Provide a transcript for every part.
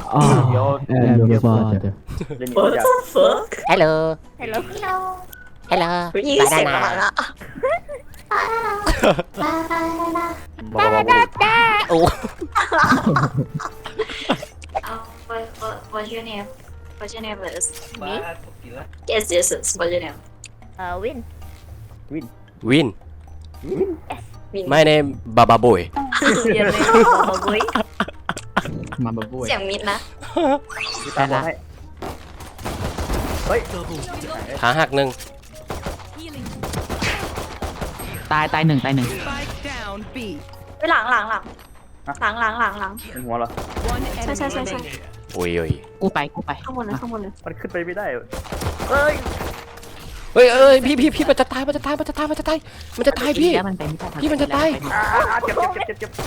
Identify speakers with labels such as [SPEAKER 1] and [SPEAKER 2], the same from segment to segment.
[SPEAKER 1] Oh, your father.
[SPEAKER 2] What the fuck
[SPEAKER 3] Hello
[SPEAKER 4] Hello.
[SPEAKER 3] Hello
[SPEAKER 2] ยี่เสียงมาละ
[SPEAKER 3] โอ้
[SPEAKER 2] What's your name What's your name is
[SPEAKER 4] Me?
[SPEAKER 2] Yes yes yes What's your name
[SPEAKER 4] Win.
[SPEAKER 3] Win
[SPEAKER 2] Win
[SPEAKER 3] My name Baba Boy
[SPEAKER 4] Your name is Baba Boy.
[SPEAKER 1] มาบ่บ่อย
[SPEAKER 2] เสียงมิดนะ
[SPEAKER 1] แต่ละ
[SPEAKER 3] ขาหักหนึ่ง
[SPEAKER 1] ตายหนึ่ง
[SPEAKER 5] Spike down B.
[SPEAKER 2] ไปหลัง
[SPEAKER 6] เป็นหัวเหรอ
[SPEAKER 5] One enemy
[SPEAKER 2] Sorry.
[SPEAKER 5] remaining.
[SPEAKER 3] โอ้ย
[SPEAKER 1] กูไป
[SPEAKER 2] ข้างบนเลย
[SPEAKER 6] มันขึ้นไปไม่ได้
[SPEAKER 3] เฮ้ยพี่มันจะตายมันจะตายพี่
[SPEAKER 1] แล้วมันไปไม่ได้
[SPEAKER 3] พี่มันจะตาย
[SPEAKER 6] เจ็บ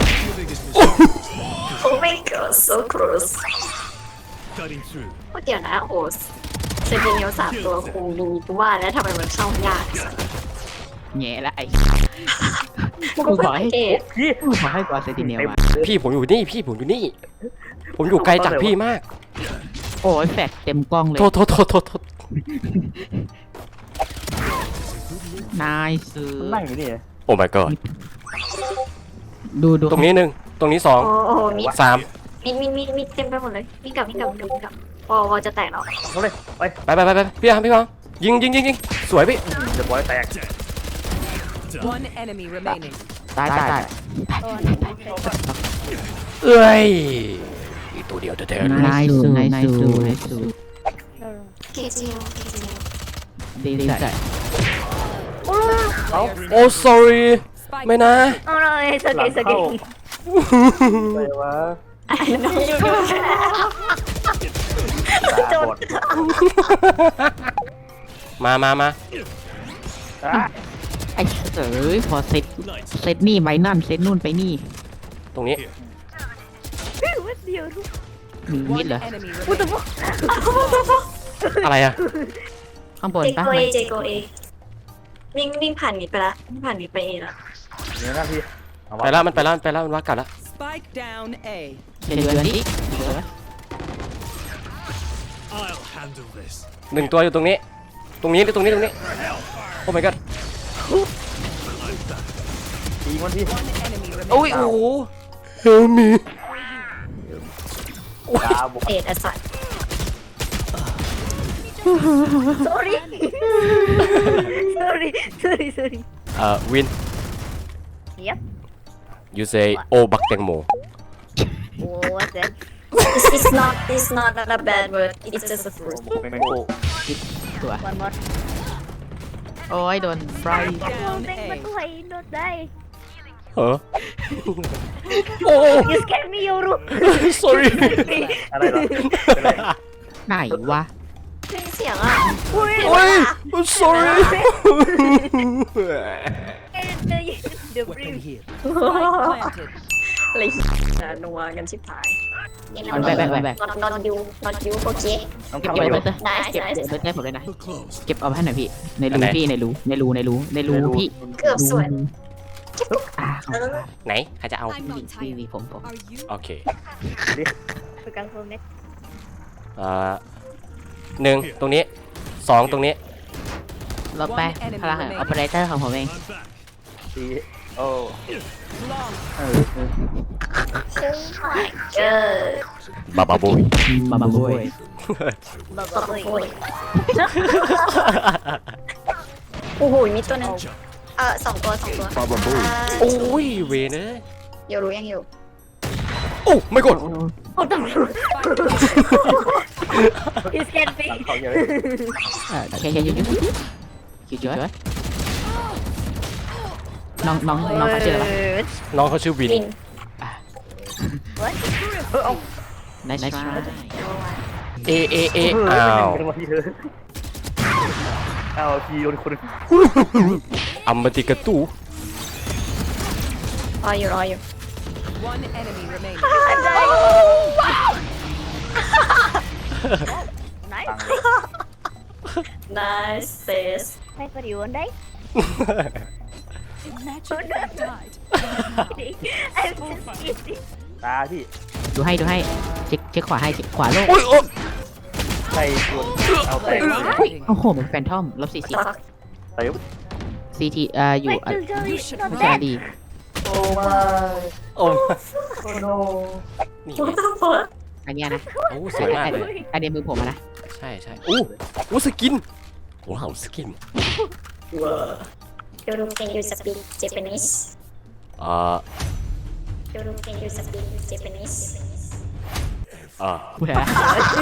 [SPEAKER 2] Oh my god so close เดี๋ยวนะโอ้เซฟิเนียล3ตัวคงมีกูว่าแล้วทำไมมันเข้ายาก
[SPEAKER 1] แง่ละไอ้
[SPEAKER 2] กูก็บอกให้เกต
[SPEAKER 6] พี่
[SPEAKER 1] กูขอให้กอเซติเนียว่ะ
[SPEAKER 3] พี่ผมอยู่นี่ผมอยู่ไกลจากพี่มาก
[SPEAKER 1] โอ้ยแฟดเต็มกล้องเลย
[SPEAKER 3] โทษ
[SPEAKER 1] นายซื้อ
[SPEAKER 6] นั่งอยู่นี่
[SPEAKER 3] โอ้ my god
[SPEAKER 1] ดู
[SPEAKER 3] ตรงนี้หนึ่งตรงนี้สอง
[SPEAKER 2] โอ้โหมี
[SPEAKER 3] สาม
[SPEAKER 2] มีเต็มไปหมดเลยมีกลับวอจะแตกเนาะ
[SPEAKER 6] เขาเลยไป
[SPEAKER 3] ไปพี่ฟังยิงสวยพี่
[SPEAKER 6] เดี๋ยวบอยแตก
[SPEAKER 5] One enemy remaining.
[SPEAKER 1] ตาย
[SPEAKER 3] เอ้ยอีกตัวเดียวแท้ๆ
[SPEAKER 1] นายซื้อ
[SPEAKER 2] เกจิโอ
[SPEAKER 1] ดีใจ
[SPEAKER 3] โอ้ sorry ไม่นะ
[SPEAKER 4] Oh no, it's okay, it's okay.
[SPEAKER 6] ไปวะ
[SPEAKER 2] จน
[SPEAKER 3] มา
[SPEAKER 1] ไอ้เอ๋ยพอเซตนี่ไปนั่นเซตนู่นไปนี่
[SPEAKER 3] ตรงนี้
[SPEAKER 4] What's the other?
[SPEAKER 1] มีมิด
[SPEAKER 5] One
[SPEAKER 1] เหรอ
[SPEAKER 5] enemy remaining.
[SPEAKER 3] อะไรอะ
[SPEAKER 1] ข้างบน
[SPEAKER 2] เจ
[SPEAKER 1] ปะ
[SPEAKER 2] โกเอวิ่งผ่านมิดไปละผ่านมิดไปเอละ
[SPEAKER 6] เนี่ยนะพี่
[SPEAKER 3] ไปแล้วมันว่ากลับแล้ว
[SPEAKER 5] Spike down A.
[SPEAKER 1] เดือนนี้
[SPEAKER 3] หนึ่งตัวอยู่ตรงนี้โอ้ my god
[SPEAKER 6] ตีมันพี่
[SPEAKER 5] One enemy
[SPEAKER 3] โอ้ย
[SPEAKER 5] remaining.
[SPEAKER 3] โอ้ help me
[SPEAKER 6] ตาบอด
[SPEAKER 2] เอดอสัต
[SPEAKER 4] Sorry. Sorry.
[SPEAKER 3] win
[SPEAKER 4] Yep.
[SPEAKER 3] you say oh บักแตงโม
[SPEAKER 4] Oh, what's that?
[SPEAKER 2] It's not a bad word it's just a fruit
[SPEAKER 6] แมงโก้
[SPEAKER 1] ตัว
[SPEAKER 4] One more.
[SPEAKER 1] โอ้ยโดนไฟ
[SPEAKER 5] Down
[SPEAKER 4] Thank
[SPEAKER 5] A.
[SPEAKER 4] but why not die?
[SPEAKER 3] เออโอ้
[SPEAKER 4] You scared me, Yoru.
[SPEAKER 3] sorry
[SPEAKER 6] อะไรเหรอเป็นไร
[SPEAKER 1] ไหนวะ
[SPEAKER 2] เสียงอ่ะ
[SPEAKER 3] โอ้ย sorry
[SPEAKER 4] The breeze.
[SPEAKER 5] Spike planted.
[SPEAKER 2] อะไรนัวกันชิบหาย
[SPEAKER 1] มันแบก
[SPEAKER 2] นอนยูโอเค
[SPEAKER 6] น้อง
[SPEAKER 1] เก็บ
[SPEAKER 6] ทำอะไร
[SPEAKER 1] ไว้
[SPEAKER 6] อยู่
[SPEAKER 1] เตอร์เก็บเบิร์ดได้ผมเลยนะเก็บเอาไปให้หน่อยพี่ในรูพี่ในรูพี่
[SPEAKER 2] เกือบสวย
[SPEAKER 3] ไหนใครจะเอา
[SPEAKER 1] พี่ผม
[SPEAKER 3] โอเค
[SPEAKER 4] Pegang full net.
[SPEAKER 3] หนึ่งตรงนี้สองตรงนี้
[SPEAKER 1] เราไปพลังออปเปอเรเตอร์ของผมเอง
[SPEAKER 6] ตีโอ้
[SPEAKER 5] Long.
[SPEAKER 3] บาบาบุย
[SPEAKER 1] มาบุย
[SPEAKER 2] ตบโอยโอ้โหมีตัวนึงสองตัว
[SPEAKER 6] บาบาบู
[SPEAKER 3] โอ้ยเวเนอะ
[SPEAKER 2] อยู่รู้ยังอยู่
[SPEAKER 3] โอ้ไม่กด
[SPEAKER 4] You scared me.
[SPEAKER 6] เขาเยอะ
[SPEAKER 1] โอเคยืดน้องเขาชื่ออะไร
[SPEAKER 3] น้องเขาชื่อวิน
[SPEAKER 2] วิน
[SPEAKER 1] นาย
[SPEAKER 3] เออ้าว
[SPEAKER 6] เป็นวันที่เธอเอาทีโดนคน
[SPEAKER 3] อัมมาติกาตู
[SPEAKER 2] รออยู่
[SPEAKER 5] One enemy remaining.
[SPEAKER 4] Nice.
[SPEAKER 2] nice sis
[SPEAKER 4] Hi, for you one day.
[SPEAKER 5] Imagine if I died.
[SPEAKER 4] I'm just kidding.
[SPEAKER 6] ตาพี่
[SPEAKER 3] ดู
[SPEAKER 1] ดูให้เช็คขวาให้เช็คขวาโลก
[SPEAKER 3] โอ้ยโอ้ย
[SPEAKER 6] ใครชวนเอาไป
[SPEAKER 1] โอ้โหมันแฟนทอมลบ40
[SPEAKER 6] เต็ม
[SPEAKER 1] CT อยู่
[SPEAKER 4] Wait till Joey is not
[SPEAKER 1] ไม่ใช่
[SPEAKER 4] dead.
[SPEAKER 1] ดี
[SPEAKER 6] โอ้มา
[SPEAKER 3] โอ้ย
[SPEAKER 6] โอ้โน
[SPEAKER 3] นี่
[SPEAKER 2] What
[SPEAKER 3] ไง
[SPEAKER 2] the fuck
[SPEAKER 1] อันเนี้ยนะ
[SPEAKER 3] โอ้เสียงมากเลย
[SPEAKER 1] อันเนี้ยมือผมอะนะ
[SPEAKER 3] ใช่ใช่อู้สกินว้าวสกิน
[SPEAKER 2] Yoru can you speak Japanese
[SPEAKER 3] อ่า
[SPEAKER 2] Yoru can you speak Japanese
[SPEAKER 1] พูดอะไรนะ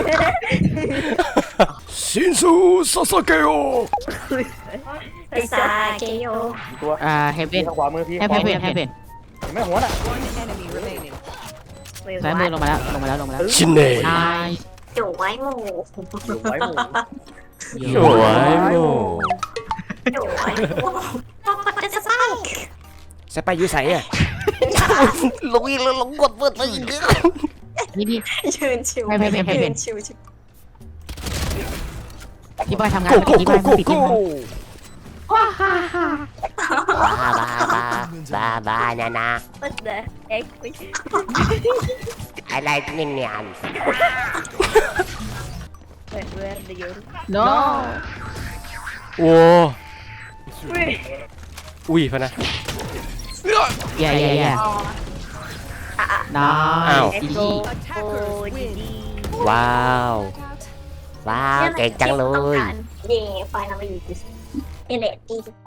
[SPEAKER 3] ชินซูซาสเกโอ
[SPEAKER 2] ภาษาเกโย
[SPEAKER 6] ตัว
[SPEAKER 1] เฮเวน
[SPEAKER 6] ทางขวามือพี่
[SPEAKER 1] เฮเวนเฮเวน
[SPEAKER 6] เห็นไหมหัวน่ะ
[SPEAKER 5] One enemy remaining.
[SPEAKER 4] Wait,
[SPEAKER 1] ซ้ายมือ
[SPEAKER 4] what?
[SPEAKER 1] ลงมาแล้ว
[SPEAKER 3] ชินเน่
[SPEAKER 1] นาย
[SPEAKER 2] จู่ไว้หมู
[SPEAKER 6] อยู่ไว้หมู
[SPEAKER 3] สวยโม
[SPEAKER 2] จู่ไว้หมูต้องกดจะสร้าง
[SPEAKER 3] ใส่ไปอยู่ใส่อะลงอีกแล้วลงกดเปิดไปอีกแล้ว
[SPEAKER 1] นี่
[SPEAKER 2] ยืนชิว
[SPEAKER 1] ให้เป็น
[SPEAKER 2] ยืนชิว
[SPEAKER 1] พี่บอยทำงาน
[SPEAKER 3] โก้
[SPEAKER 1] เมื่อ
[SPEAKER 3] โก้
[SPEAKER 1] กี้พี่บ
[SPEAKER 3] โก้
[SPEAKER 1] อย
[SPEAKER 3] โก้
[SPEAKER 1] ปิด
[SPEAKER 3] โก้
[SPEAKER 1] ที่มัน
[SPEAKER 7] บานานา
[SPEAKER 4] What the heck?
[SPEAKER 7] อะไรนี่เนี่ย
[SPEAKER 4] Where the Yoru?
[SPEAKER 1] โน
[SPEAKER 3] โอ้อุ้ยพะนะ
[SPEAKER 1] แย่นาย
[SPEAKER 3] อ้าว
[SPEAKER 1] อี
[SPEAKER 4] Let's
[SPEAKER 1] ซี่
[SPEAKER 4] go.
[SPEAKER 5] Attackers
[SPEAKER 4] Oh,
[SPEAKER 5] win.
[SPEAKER 4] GG.
[SPEAKER 3] ว้าว
[SPEAKER 7] ว้าวเก่งจังเลย
[SPEAKER 2] เย่ไฟนอลลีเอเลตี